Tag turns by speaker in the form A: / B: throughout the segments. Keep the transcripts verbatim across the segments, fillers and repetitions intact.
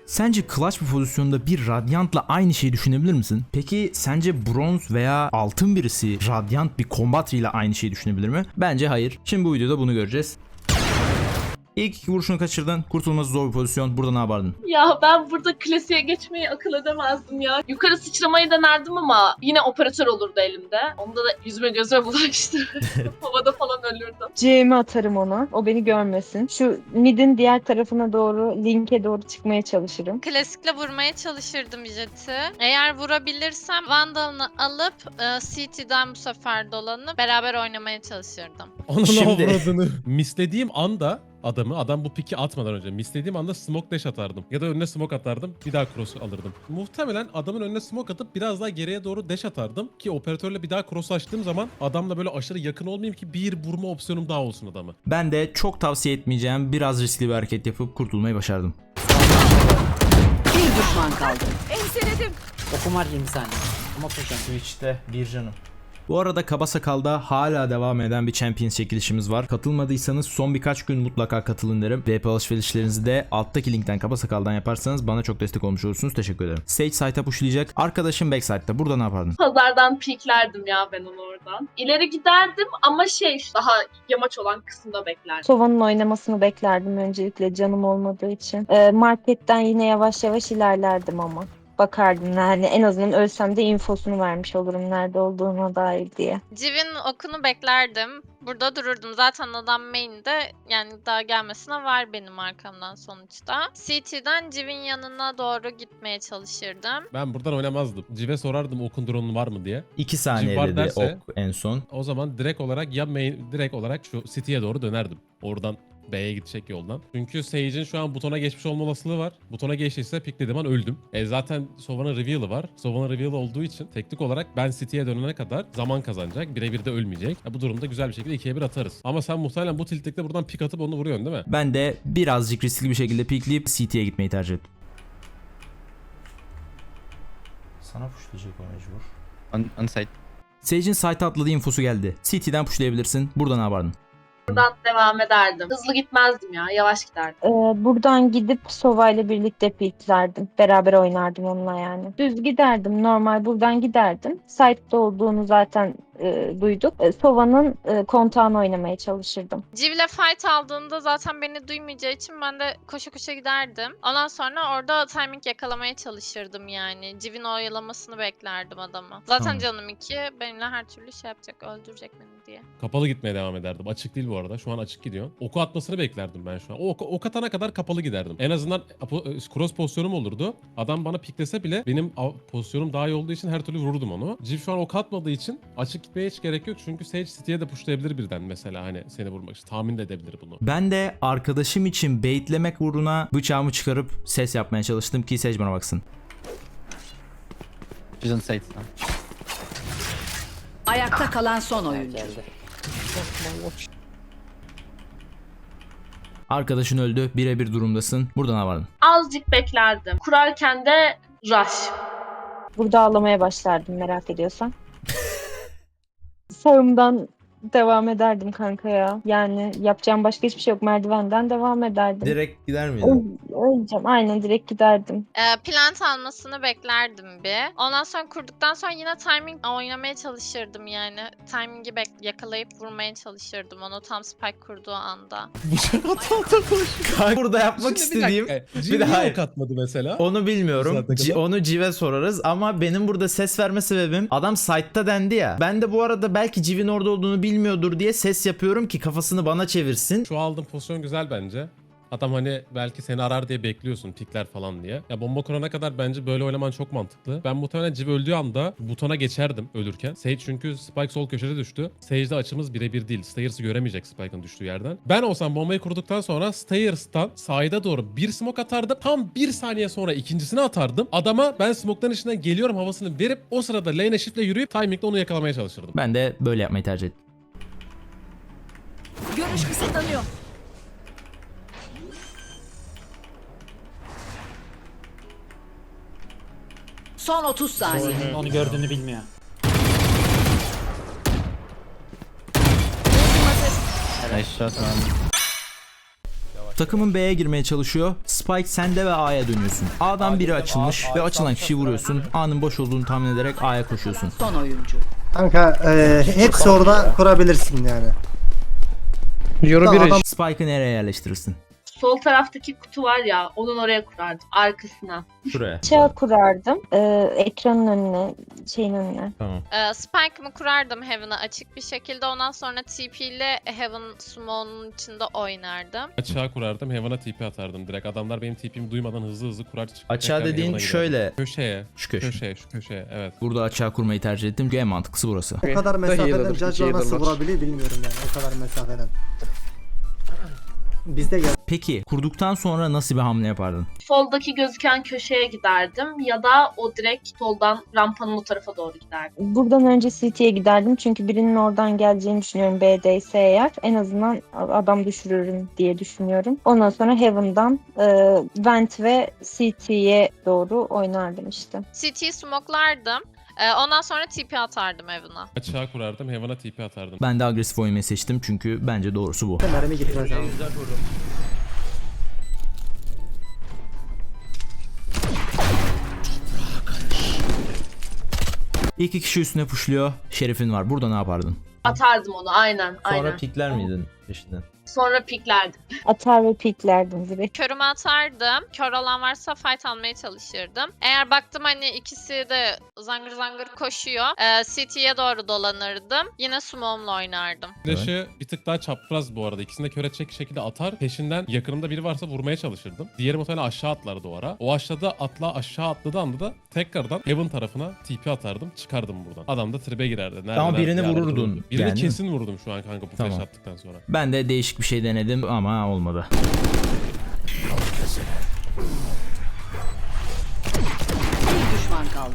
A: Sence clutch bir pozisyonda bir Radiant'la aynı şeyi düşünebilir misin? Peki sence bronz veya altın birisi Radiant bir Combatri ile aynı şeyi düşünebilir mi? Bence hayır. Şimdi bu videoda bunu göreceğiz. İlk iki vuruşunu kaçırdın. Kurtulması zor bir pozisyon. Burada ne yapardın?
B: Ya ben burada klasiğe geçmeyi akıl edemezdim ya. Yukarı sıçramayı denerdim ama yine operatör olurdu elimde. Onda da yüzüme gözüme bulaştı. Havada falan ölürdüm.
C: C'mi atarım ona. O beni görmesin. Şu midin diğer tarafına doğru, linke doğru çıkmaya çalışırım.
D: Klasikle vurmaya çalışırdım Jet'i. Eğer vurabilirsem Vandal'ını alıp e, C T'den bu sefer dolanıp beraber oynamaya çalışırdım.
E: Onun
A: Şimdi-
E: avradını. Mislediğim anda adamı, adam bu piki atmadan önce mislediğim anda smoke dash atardım. Ya da önüne smoke atardım, bir daha cross alırdım. Muhtemelen adamın önüne smoke atıp biraz daha geriye doğru dash atardım. Ki operatörle bir daha cross açtığım zaman adamla böyle aşırı yakın olmayayım ki bir vurma opsiyonum daha olsun adamı.
A: Ben de çok tavsiye etmeyeceğim biraz riskli bir hareket yapıp kurtulmayı başardım.
F: Bir düşman kaldı.
G: Enseledim.
F: Okum var yirmi saniye. Ama koşacağım.
A: Twitch'te bir canım. Bu arada Kaba Sakal'da hala devam eden bir Champions çekilişimiz var. Katılmadıysanız son birkaç gün mutlaka katılın derim. V P alışverişlerinizi de alttaki linkten Kaba Sakal'dan yaparsanız bana çok destek olmuş olursunuz. Teşekkür ederim. Sage side'a pushlayacak. Arkadaşım backside'da. Burada ne yapardın?
B: Pazardan piklerdim ya ben onu oradan. İleri giderdim ama şey daha yamaç olan kısımda beklerdim.
C: Sova'nın oynamasını beklerdim öncelikle canım olmadığı için. Ee, marketten yine yavaş yavaş ilerlerdim ama. Bakardım yani en azından ölsem de infosunu vermiş olurum nerede olduğuna dair diye.
D: Civ'in okunu beklerdim. Burada dururdum. Zaten adam main'de, yani daha gelmesine var benim arkamdan sonuçta. C T'den Civ'in yanına doğru gitmeye çalışırdım.
E: Ben buradan oynamazdım. Cive sorardım okun drone'un var mı diye.
A: iki saniye
E: var
A: dedi
E: derse-
A: ok en son.
E: O zaman direkt olarak ya main, direkt olarak şu city'ye doğru dönerdim. Oradan B'ye gidecek yoldan. Çünkü Sage'in şu an butona geçmiş olma olasılığı var. Butona geçtiyse piklediğim an öldüm. E zaten Sova'nın reveal'ı var. Sova'nın reveal'ı olduğu için teknik olarak ben City'ye dönene kadar zaman kazanacak. Birebir de ölmeyecek. Ya bu durumda güzel bir şekilde ikiye bir atarız. Ama sen muhtemelen bu tiltlikte buradan pik atıp onu vuruyorsun değil mi?
A: Ben de birazcık riskli bir şekilde pikleyip C T'ye gitmeyi tercih ettim. Sana pushlayacak o mecbur.
H: On, on site.
A: Sage'in site'a atladığı infosu geldi. C T'den pushlayabilirsin. Burada ne yapardın?
B: Buradan devam ederdim. Hızlı gitmezdim ya, yavaş giderdim.
C: Ee, buradan gidip Sova ile birlikte piklerdim. Beraber oynardım onunla yani. Düz giderdim normal buradan giderdim. Site'de olduğunu zaten e, duyduk. E, Sova'nın e, kontağını oynamaya çalışırdım.
D: Civ'le fight aldığında zaten beni duymayacağı için ben de koşa koşa giderdim. Ondan sonra orada timing yakalamaya çalışırdım yani. Civ'in oyalamasını beklerdim adamı. Zaten
A: Tamam.
D: canım iki, benimle her türlü şey yapacak, öldürecek beni diye.
E: Kapalı gitmeye devam ederdim. Açık değil bu arada. Şu an açık gidiyor. Oku atmasını beklerdim ben şu an. O ok, ok atana kadar kapalı giderdim. En azından apo- cross pozisyonum olurdu. Adam bana piklese bile benim av- pozisyonum daha iyi olduğu için her türlü vururdum onu. Civ şu an ok atmadığı için açık gitmeye hiç gerek yok. Çünkü Sage City'ye de pushlayabilir birden mesela, hani seni vurmak için. Tahmin de edebilir bunu.
A: Ben de arkadaşım için baitlemek uğruna bıçağımı çıkarıp ses yapmaya çalıştım ki Sage bana baksın.
H: She's on site.
F: Ayakta kalan son oyuncu.
H: Geldi.
A: Arkadaşın öldü. Birebir durumdasın. Burada ne yapardın?
B: Azıcık beklerdim. Kurarken de rush.
C: Burada ağlamaya başlardım merak ediyorsan. Sağımdan devam ederdim kanka ya. Yani yapacağım başka hiçbir şey yok. Merdivenden devam ederdim.
A: Direkt gider
C: Öl- Öleceğim. Aynen direkt giderdim.
D: Ee, plant almasını beklerdim bir. Ondan sonra kurduktan sonra yine timing oynamaya çalışırdım yani. Timingi bek yakalayıp vurmaya çalışırdım onu tam spike kurduğu anda.
A: Burada yapmak istediğim
E: Bir
A: de hayır.
E: ok atmadı mesela.
A: onu bilmiyorum.
E: Saate
A: C-
E: kadar.
A: onu Civ'e sorarız ama benim burada ses verme sebebim adam site'ta dendi ya. Ben de bu arada belki Civ'in orada olduğunu bilmiyordur diye ses yapıyorum ki kafasını bana çevirsin.
E: Şu aldığım pozisyon güzel bence. Adam hani belki seni arar diye bekliyorsun pikler falan diye. Ya bomba kurana kadar bence böyle oynaman çok mantıklı. Ben muhtemelen Civ öldüğü anda butona geçerdim ölürken. Sage çünkü Spike sol köşede düştü. Sage'de açımız birebir değil. Stairs'ı göremeyecek Spike'ın düştüğü yerden. Ben olsam bombayı kurduktan sonra Stairs'tan sahile doğru bir smoke atardım. Tam bir saniye sonra ikincisini atardım. Adama ben smoke'ların içinden geliyorum havasını verip o sırada lane'e shiftle yürüyüp timingle onu yakalamaya çalışırdım.
A: Ben de böyle yapmayı tercih ettim.
G: Görüş kısıtlanıyor.
F: Son otuz saniye.
H: Onu gördüğünü bilmiyor. Nice shot man.
A: Takımın B'ye girmeye çalışıyor. Spike Spike sende ve A'ya dönüyorsun. A'dan biri açılmış ve açılan kişiyi vuruyorsun. A'nın boş olduğunu tahmin ederek A'ya koşuyorsun.
F: Son oyuncu.
G: Kanka e, hepsi orada kurabilirsin yani.
H: Euro
G: Tamam,
H: bir
G: adam-
A: Spike'ı nereye yerleştirirsin?
B: Sol taraftaki kutu var ya, onun oraya kurardım. Arkasına.
A: Şuraya.
C: Çağ kurardım. Ee, ekranın önüne, şeyin önüne.
A: Tamam.
D: Ee, Spike'ımı kurardım Heaven'a açık bir şekilde. Ondan sonra T P ile Heaven Smoke'un içinde oynardım.
E: Açığa kurardım, Heaven'a T P atardım. Direkt adamlar benim T P'mi duymadan hızlı hızlı kurar çıkıp
A: Açığa
E: tekrar
A: dediğin
E: Heaven'a giderdim.
A: şöyle.
E: Köşeye.
A: Şu köşe.
E: Köşeye, şu köşeye. Evet.
A: Burada açığa kurmayı tercih ettim çünkü en mantıklısı burası.
G: O kadar mesafeden
H: healer'dır,
G: Judge'lar nasıl
H: healer'lar.
G: vurabiliyor bilmiyorum yani o kadar mesafeden. Bizde gel.
A: Peki kurduktan sonra nasıl bir hamle yapardın?
B: Soldaki gözüken köşeye giderdim ya da o direkt soldan rampanın o tarafa doğru giderdim.
C: Buradan önce C T'ye giderdim çünkü birinin oradan geleceğini düşünüyorum B'deyse eğer. En azından adam düşürürüm diye düşünüyorum. Ondan sonra Heaven'dan e, Vent ve C T'ye doğru oynardım işte.
D: C T'yi smoke'lardım. Ee, ondan sonra T P atardım Heaven'a.
E: Açığa kurardım, Heaven'a T P atardım.
A: Ben de agresif oynamayı seçtim çünkü bence doğrusu bu.
G: Mermi gitmez abi.
A: İki kişi üstüne pushluyor. Şerif'in var. Burada ne yapardın?
B: Atardım onu aynen.
A: Sonra
B: aynen.
A: pikler miydin peşinden?
B: Sonra piklerdim.
C: Atar ve piklerdim direkt.
D: Körümü atardım. Kör olan varsa fight almaya çalışırdım. Eğer baktım hani ikisi de zangır zangır koşuyor. E, C T'ye doğru dolanırdım. Yine smoke'umla oynardım.
E: Flash'ı bir tık daha çapraz bu arada. İkisini de kör edecek şekilde atar. Peşinden yakınımda biri varsa vurmaya çalışırdım. Diğeri muhtemelen aşağı atlardı o ara. O aşağıda atla aşağı atladığı anda da tekrardan Heaven tarafına T P atardım. Çıkardım buradan. Adam da tribe girerdi. Nerede,
A: Ama birini
E: nerede, bir arada
A: vururdun
E: dururdu. Birini
A: yani.
E: kesin vurdum şu an kanka bu flash
A: Tamam.
E: attıktan sonra.
A: Ben de değişik bir şey denedim ama olmadı.
F: Bir düşman kaldı.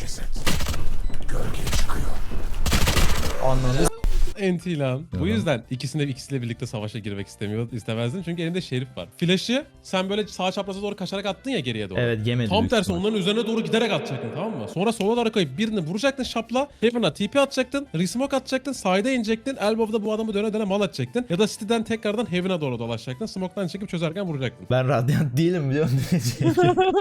E: Enti lan. Bu
A: Yalan.
E: yüzden ikisine ikisiyle birlikte savaşa girmek istemiyor, istemezdim. Çünkü elinde şerif var. Flash'ı sen böyle sağ çapraza doğru kaçarak attın ya geriye doğru.
A: Evet yemedi.
E: Tam
A: büyük
E: tersi
A: ihtimal.
E: onların üzerine doğru giderek atacaktın, tamam mı? Sonra sola doğru kayıp birini vuracaktın şapla. Heaven'a T P atacaktın. Resmoke atacaktın. Side'a inecektin. Elbow'da bu adamı döne döne mal atacaktın. Ya da City'den tekrardan Heaven'a doğru dolaşacaktın. Smoke'tan çekip çözerken vuracaktın.
A: Ben radyant değilim biliyor musun?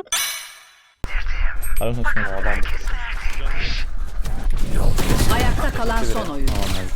F: Ayakta kalan son oyuncu.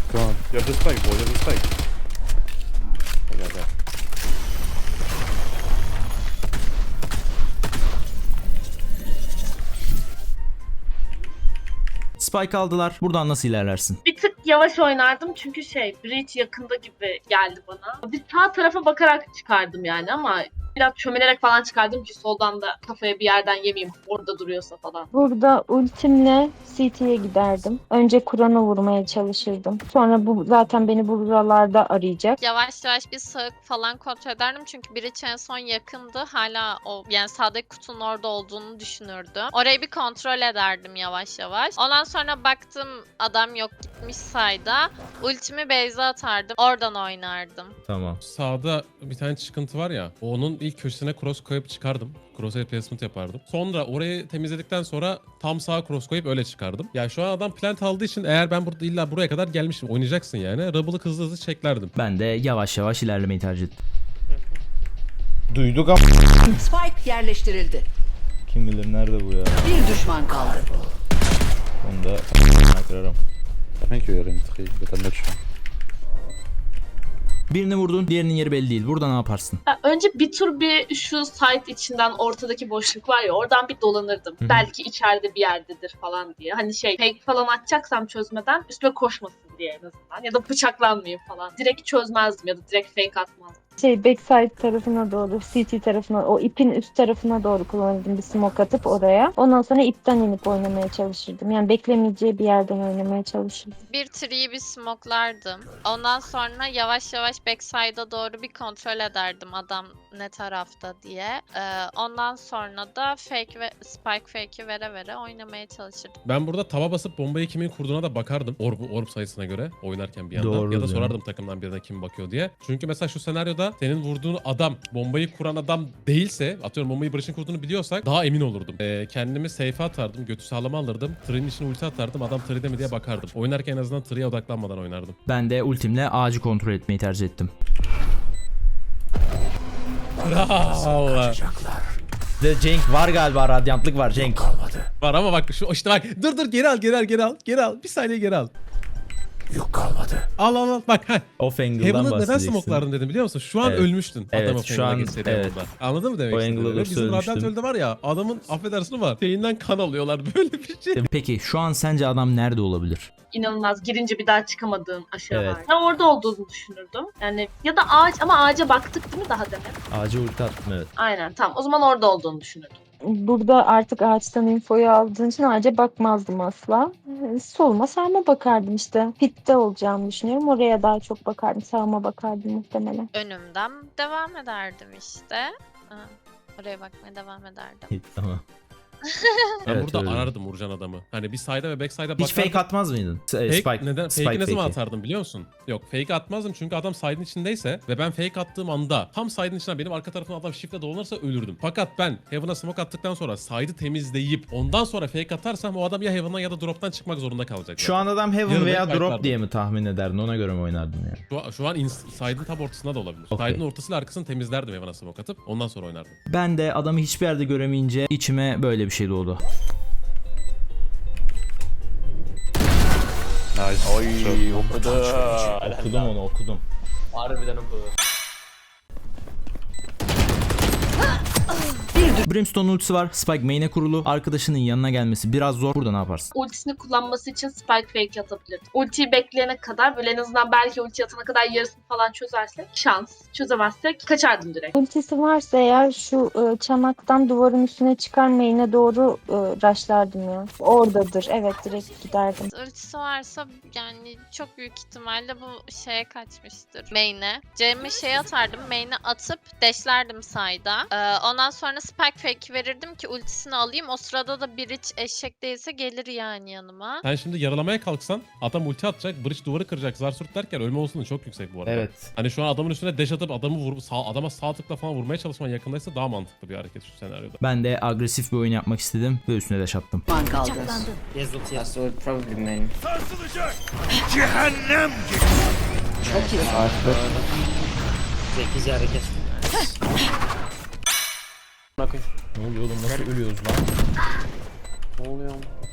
A: Spike aldılar. Buradan nasıl ilerlersin?
B: Bir tık yavaş oynardım çünkü şey, Breach yakında gibi geldi bana. Bir sağ tarafa bakarak çıkardım yani ama biraz çömelerek falan çıkardım ki soldan da kafaya bir yerden yemeyeyim orada duruyorsa falan.
C: Burada ultimle C T'ye giderdim. Önce Kur'an'ı vurmaya çalışırdım. Sonra bu zaten beni buralarda arayacak.
D: Yavaş yavaş bir sağık falan kontrol ederdim. Çünkü Breach en son yakındı. Hala o yani sağdaki kutunun orada olduğunu düşünürdüm. Orayı bir kontrol ederdim yavaş yavaş. Ondan sonra baktım adam yok gitmiş sayda. Ultimi base'e atardım. Oradan oynardım.
A: Tamam.
E: Sağda bir tane çıkıntı var ya. Onun ilk köşesine cross koyup çıkardım. Crosshair placement yapardım. Sonra orayı temizledikten sonra tam sağa cross koyup öyle çıkardım. Ya şu an adam plant aldığı için eğer ben burada illa buraya kadar gelmişim oynayacaksın yani. Rubble'ı hızlı hızlı çeklerdim.
A: Ben de yavaş yavaş ilerlemeyi tercih ettim.
I: Duyduk ama
F: Spike yerleştirildi.
I: kim bilir nerede bu ya.
F: Bir düşman kaldı.
I: Onu da kırarım.
H: Thank you, Erin. But I'm not sure.
A: Birini vurdun, diğerinin yeri belli değil. Burada ne yaparsın?
B: Ya önce bir tur bir şu site içinden ortadaki boşluk var ya oradan bir dolanırdım.
A: Hı hı.
B: Belki içeride bir yerdedir falan diye. Hani şey fake falan atacaksam çözmeden üstüme koşmasın diye en azından. Ya da bıçaklanmayayım falan. Direkt çözmezdim ya da direkt fake atmazdım.
C: Şey backside tarafına doğru, C T tarafına, o ipin üst tarafına doğru kullanırdım bir smoke atıp oraya. Ondan sonra ipten inip oynamaya çalışırdım. Yani beklemeyeceği bir yerden oynamaya çalışırdım.
D: Bir tree'yi bir smoke'lardım. Ondan sonra yavaş yavaş backside'a doğru bir kontrol ederdim adam ne tarafta diye. Ee, ondan sonra da fake ve spike fake'i vere vere oynamaya çalışırdım.
E: Ben burada tava basıp bombayı kimin kurduğuna da bakardım. Orb, orb sayısına göre oynarken bir yandan.
A: Doğru
E: ya da
A: diyorsun.
E: sorardım takımdan birine kim bakıyor diye. Çünkü mesela şu senaryoda senin vurduğun adam bombayı kuran adam değilse, atıyorum bombayı Barış'ın kurduğunu biliyorsak daha emin olurdum. Ee, kendimi safe'e atardım, götü sağlama alırdım. Tree'nin içine ulti atardım, adam tree'de mi diye bakardım. Oynarken en azından tree'ye odaklanmadan oynardım.
A: Ben de ultimle ağacı kontrol etmeyi tercih ettim.
E: Allah.
A: De Cenk var galiba, radyantlık var Cenk.
E: Var ama bak şu işte bak dur dur geri al geri al geri al geri al bir saniye geri al. Yok kalmadı. Al al al bak heh.
A: Off angle'dan
E: Heaven'ı neden
A: bahsedeceksin.
E: smoke'lardın dedim biliyor musun? Şu an
A: Evet.
E: ölmüştün.
A: Evet,
E: Adamı
A: şu an-
E: geçseydi
A: evet.
E: Heaven'da. Anladın mı demek
A: O
E: istediğimi?
A: angle'da
E: Bizim
A: söylemiştim.
E: radyantörde var ya adamın affedersin ama şeyinden kan alıyorlar böyle bir şey.
A: Peki şu an sence adam nerede olabilir?
B: İnanılmaz. Girince bir daha çıkamadığım aşağı
A: Evet.
B: var. Ben orada olduğunu düşünürdüm. Yani ya da ağaç ama ağaca baktık değil mi daha demin?
A: Ağaca ulti attım, evet.
B: Aynen tamam. O zaman orada olduğunu düşünürdüm.
C: Burada artık ağaçtan infoyu aldığın için ağaca bakmazdım asla. Ee, Soluma sağıma bakardım işte. Pitte olacağımı düşünüyorum. Oraya daha çok bakardım. Sağıma bakardım muhtemelen.
D: Önümden devam ederdim işte. Ha, oraya bakmaya devam ederdim.
A: Tamam.
E: Ben
A: Evet,
E: burada
A: öyle.
E: arardım Urcan adamı. Hani bir side'a ve back side'a
A: Hiç
E: bakardım.
A: fake atmaz mıydın? S-
E: Fake,
A: Spike.
E: neden?
A: Spike
E: Fake'i ne zaman
A: fake'i.
E: atardım biliyor musun? Yok fake atmazdım çünkü adam side'ın içindeyse ve ben fake attığım anda tam side'ın içinden benim arka tarafımdan adam shift'le dolanırsa ölürdüm. Fakat ben Heaven'a smoke attıktan sonra side'ı temizleyip ondan sonra fake atarsam o adam ya Heaven'dan ya da drop'tan çıkmak zorunda kalacak.
A: Şu an adam Heaven
E: Yarın
A: veya
E: fake
A: Drop
E: atardım.
A: diye mi tahmin ederdin? Ona göre mi oynardın yani?
E: Şu, an- şu an ins- side'ın tam ortasında da olabilir.
A: Okey.
E: Side'ın ortasıyla arkasını temizlerdim Heaven'a smoke atıp ondan sonra oynardım.
A: Ben de adamı hiçbir yerde göremeyince içime böyle bir şey doğdu.
H: Nice.
I: Oy okudu.
A: Okudum onu, okudum.
I: Harbiden okudu.
A: Brimstone ultisi var. Spike main'e kurulu. Arkadaşının yanına gelmesi biraz zor. Burada ne yaparsın?
B: Ultisini kullanması için spike fake atabilirdim. Ultiyi bekleyene kadar böyle en azından belki ulti atana kadar yarısını falan çözersek şans. Çözemezsek kaçardım direkt.
C: Ultisi varsa eğer şu e, çanaktan duvarın üstüne çıkar main'e doğru e, rushlardım ya. Oradadır. Evet, direkt giderdim.
D: Ultisi varsa yani çok büyük ihtimalle bu şeye kaçmıştır. Main'e. Cem'e şey atardım. Main'e atıp dashlerdim side'a. Ee, ondan sonra spike fake verirdim ki ultisini alayım. O sırada da Bridge eşek değilse gelir yani yanıma.
E: Sen şimdi yaralamaya kalksan adam ulti atacak, bridge duvarı kıracak, zar surt derken ölme olasılığı çok yüksek bu arada.
A: Evet.
E: Hani şu an adamın üstüne dash atıp adamı vur, sağ, adama sağ tıkla falan vurmaya çalışman yakındaysa daha mantıklı bir hareket şu senaryoda.
A: Ben de agresif bir oyun yapmak istedim ve üstüne de attım.
F: Düşman kaldı. Çok iyi.
I: Ne oluyor oğlum, nasıl ölüyoruz lan? Ne oluyor?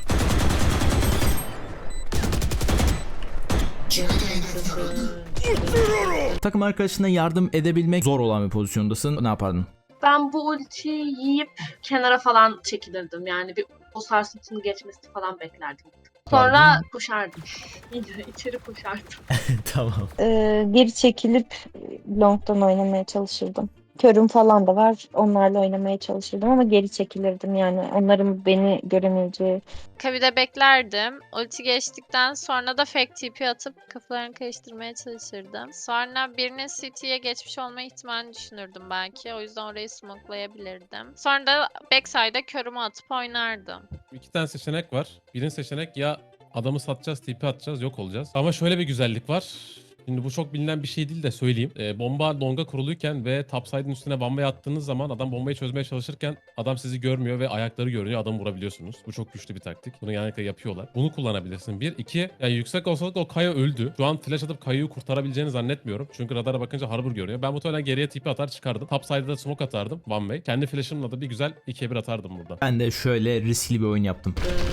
A: Takım arkadaşına yardım edebilmek zor olan bir pozisyondasın. Ne yapardın?
B: Ben bu ultiyi yiyip kenara falan çekilirdim. Yani bir o sarsıntının geçmesini falan beklerdim. Sonra koşardım. Yine içeri koşardım.
A: Tamam.
C: E, geri çekilip long'dan oynamaya çalışırdım. Körüm falan da var. Onlarla oynamaya çalışırdım ama geri çekilirdim yani. Onların beni göremeyeceği.
D: Kabide beklerdim. Ulti geçtikten sonra da fake T P atıp kafalarını karıştırmaya çalışırdım. Sonra birinin C T'ye geçmiş olma ihtimalini düşünürdüm belki. O yüzden orayı smokelayabilirdim. Sonra da backside'a körümü atıp oynardım.
E: İki tane seçenek var. Birinci seçenek ya adamı satacağız, tipi atacağız, yok olacağız. Ama şöyle bir güzellik var. Şimdi bu çok bilinen bir şey değil de söyleyeyim. Ee, bomba longa kuruluyken ve topside'ın üstüne bombayı attığınız zaman adam bombayı çözmeye çalışırken adam sizi görmüyor ve ayakları görünüyor. Adamı vurabiliyorsunuz. Bu çok güçlü bir taktik. Bunu genellikle yapıyorlar. Bunu kullanabilirsin. Bir. iki. Yani yüksek olsalık o Kaya öldü. Şu an flash atıp Kaya'yı kurtarabileceğini zannetmiyorum. Çünkü radara bakınca Harbor görüyor. Ben muhtemelen geriye tipi atar çıkardım. Topside'da da smoke atardım. One way. Kendi flash'ımla da bir güzel ikiye bir atardım burada.
A: Ben de şöyle riskli bir oyun yaptım.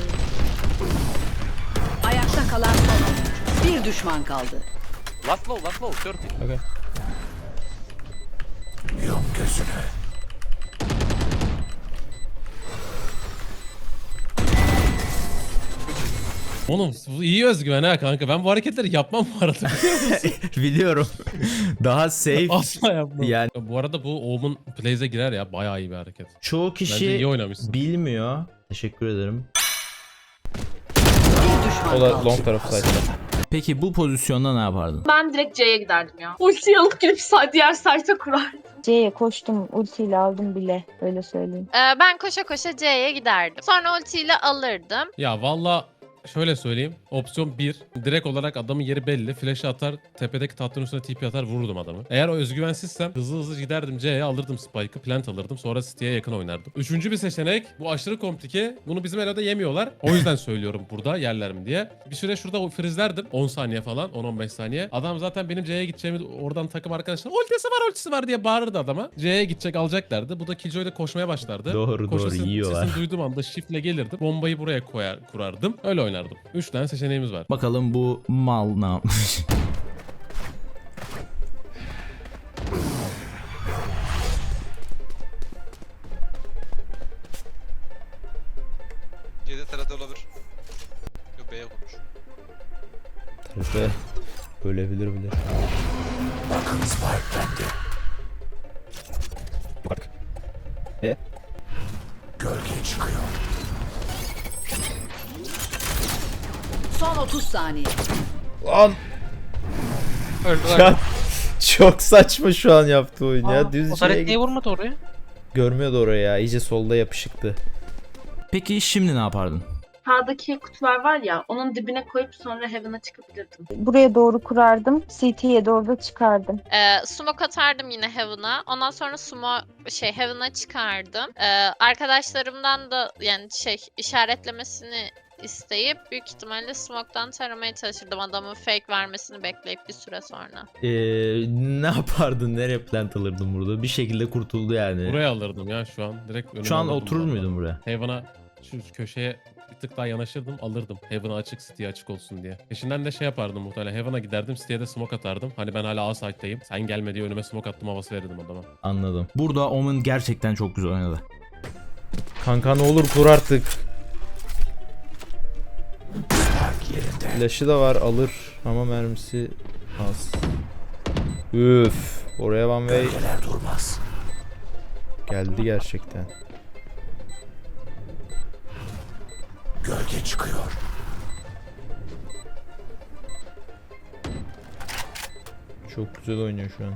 F: Ayakta kalan son oyuncu. Bir düşman kaldı.
H: Last low, last low, thirty.
I: Okay.
E: Oğlum bu iyi özgüven ha kanka. Ben bu hareketleri yapmam bu arada.
A: Biliyorum. Daha safe.
E: Asla yapmam.
A: Yani
E: Bu arada bu Omen Plays'e girer ya. Bayağı iyi bir hareket.
A: çoğu
E: Bence
A: kişi
E: iyi oynamışsın.
A: bilmiyor. Teşekkür ederim.
F: Bir düşman
I: O da
F: kaldı.
I: long tarafı sayesinde.
A: Peki bu pozisyonda ne yapardın?
B: Ben direkt C'ye giderdim ya. Ultiyi alıp gidip sa- diğer site'a kurardım.
C: C'ye koştum. Ultiyle aldım bile. Öyle söyleyeyim.
D: Ee, ben koşa koşa C'ye giderdim. Sonra ultiyle alırdım.
E: Ya valla şöyle söyleyeyim. Opsiyon bir. Direkt olarak adamın yeri belli. Flash'ı atar, tepedeki tahtın üstüne T P atar, vururdum adamı. Eğer o özgüvensizsem hızlı hızlı giderdim C'ye, alırdım Spike'ı, plant alırdım. Sonra City'ye yakın oynardım. Üçüncü bir seçenek. Bu aşırı komplike. Bunu bizim Elo'da yemiyorlar. O yüzden söylüyorum burada yerler mi diye. Bir süre şurada frizlerdim. on saniye falan. on on beş saniye. Adam zaten benim C'ye gideceğimi oradan takım arkadaşlar ultisi var ultisi var diye bağırırdı adama. C'ye gidecek alacaklardı. Bu da Killjoy'da koşmaya başlardı.
A: Doğru,
E: Koşu
A: doğru,
E: sesini-
A: yiyorlar.
E: Sesini duyduğum anda shift'le gelirdim. Bombayı buraya koyar, kurardım. Öyle oynardım. Üç tane seçeneğimiz var.
A: Bakalım bu mal ne yapmış.
H: C'de T R T olabilir. Yok B'ye kurmuş.
I: Tarafa ölebilir bile. Bak. E?
F: Son otuz saniye.
I: Lan! Ya, çok saçma şu an yaptığı oyun ya. Düz içeri git-
H: vurmadı oraya?
I: Görmüyordu oraya ya. İyice solda yapışıktı.
A: Peki şimdi ne yapardın?
B: Sağdaki kutular var ya, onun dibine koyup sonra Heaven'a çıkabilirdim.
C: Buraya doğru kurardım. C T'ye doğru da çıkardım.
D: Ee, smoke atardım yine Heaven'a. Ondan sonra smoke şey Heaven'a çıkardım. Ee, arkadaşlarımdan da yani şey işaretlemesini isteyip büyük ihtimalle smoke'tan taramaya çalışırdım. Adamın fake vermesini bekleyip bir süre sonra.
A: Ee, ne yapardın? Nereye plant alırdın burada? Bir şekilde kurtuldu yani.
E: Buraya alırdım ya şu an. Direkt önüme
A: Şu an
E: alırdım
A: oturur
E: vallahi.
A: muydun buraya?
E: Heaven'a şu köşeye bir tık daha yanaşırdım, alırdım. Heaven'a açık, City'ye açık olsun diye. Peşinden de şey yapardım muhtemelen. Heaven'a giderdim, City'ye de smoke atardım. Hani ben hala A site'dayım. Sen gelme diye önüme smoke attım havası verirdim adama.
A: Anladım. Burada Omen gerçekten çok güzel oynadı.
I: Kanka ne olur kur artık. Flash'ı da var alır ama mermisi az. Üf. Oraya one way. Geldi gerçekten. Gölge çıkıyor. Çok güzel oynuyor şu an.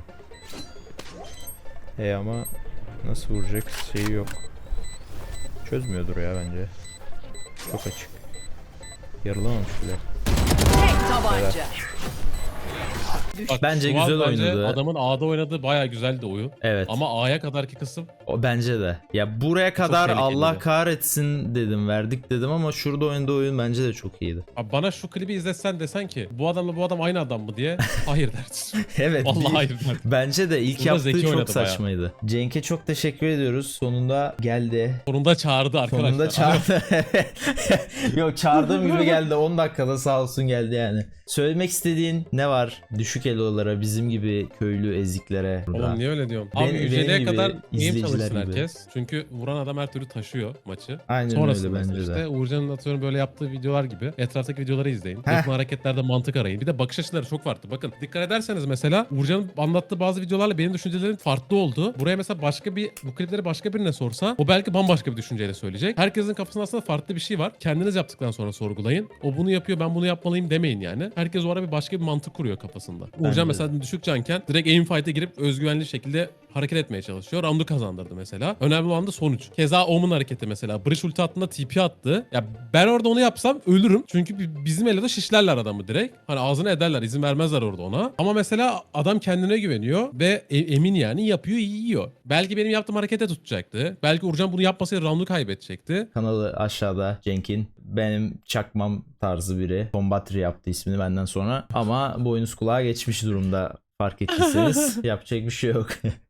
I: Hey ama nasıl vuracak şeyi yok. Çözmüyordur ya bence. Çok açık. Yarılamamış bile.
F: Tek tabanca.
E: Bak,
A: Bence
E: şu an
A: güzel
E: bence
A: oynadı.
E: Adamın A'da oynadığı bayağı güzeldi oyun.
A: Evet.
E: Ama A'ya kadarki kısım
A: O bence de. Ya buraya kadar
E: tehlikeliydi.
A: Allah kahretsin dedim, verdik dedim ama şurada oynadığı oyun bence de çok iyiydi.
E: Abi bana şu klibi izletsen desen ki bu adamla bu adam aynı adam mı diye hayır dersin.
A: Evet.
E: Vallahi
A: bir-
E: hayır dersin.
A: Bence de ilk
E: Burada
A: yaptığı
E: zeki
A: çok
E: oynadı bayağı.
A: saçmaydı. Cenk'e çok teşekkür ediyoruz. Sonunda geldi.
E: Sonunda çağırdı arkadaşlar.
A: Sonunda çağırdı. Yok, çağırdığım gibi geldi. on dakikada sağ olsun geldi yani. Söylemek istediğin ne var? Düşük elolara, bizim gibi köylü eziklere. burada.
E: Oğlum niye öyle diyorum?
A: Ben-
E: Abi
A: benim
E: yüceliğe
A: gibi
E: kadar neyim
A: izleyiciler
E: çalışsın
A: gibi.
E: herkes. Çünkü vuran adam her türlü taşıyor maçı.
A: Aynen
E: Sonrasında
A: öyle bence
E: işte
A: de.
E: Uğurcan'ın atıyorum böyle yaptığı videolar gibi etraftaki videoları izleyin.
A: Heh.
E: Yapılan hareketlerde mantık arayın. Bir de bakış açıları çok farklı. Bakın dikkat ederseniz mesela Uğurcan'ın anlattığı bazı videolarla benim düşüncelerim farklı oldu. Buraya mesela başka bir bu klipleri başka birine sorsa o belki bambaşka bir düşünceyle söyleyecek. Herkesin kafasında aslında farklı bir şey var. Kendiniz yaptıktan sonra sorgulayın. O bunu yapıyor ben bunu yapmalıyım demeyin yani. Herkes o ara bir başka bir mantık kuruyor kafasında.
A: Bence de.
E: Uğurcan mesela düşük canken direkt aim fight'e girip özgüvenli şekilde hareket etmeye çalışıyor. Round'u kazandırdı mesela. Önemli olan da sonuç. Keza Omen hareketi mesela. Breach ulti attığında T P attı. Ya ben orada onu yapsam ölürüm. Çünkü bi- bizim eloda şişlerler adamı direkt. Hani ağzına ederler. İzin vermezler orada ona. Ama mesela adam kendine güveniyor ve e- emin yani yapıyor iyi yiyor. Belki benim yaptığım harekete tutacaktı. Belki Uğurcan bunu yapmasaydı round'u kaybedecekti.
A: Kanalı aşağıda Cenk'in. Benim çakmam tarzı biri. Combatri yaptı ismini benden sonra. Ama boynuz kulağa geçmiş durumda, fark ettiyseniz. Yapacak bir şey yok.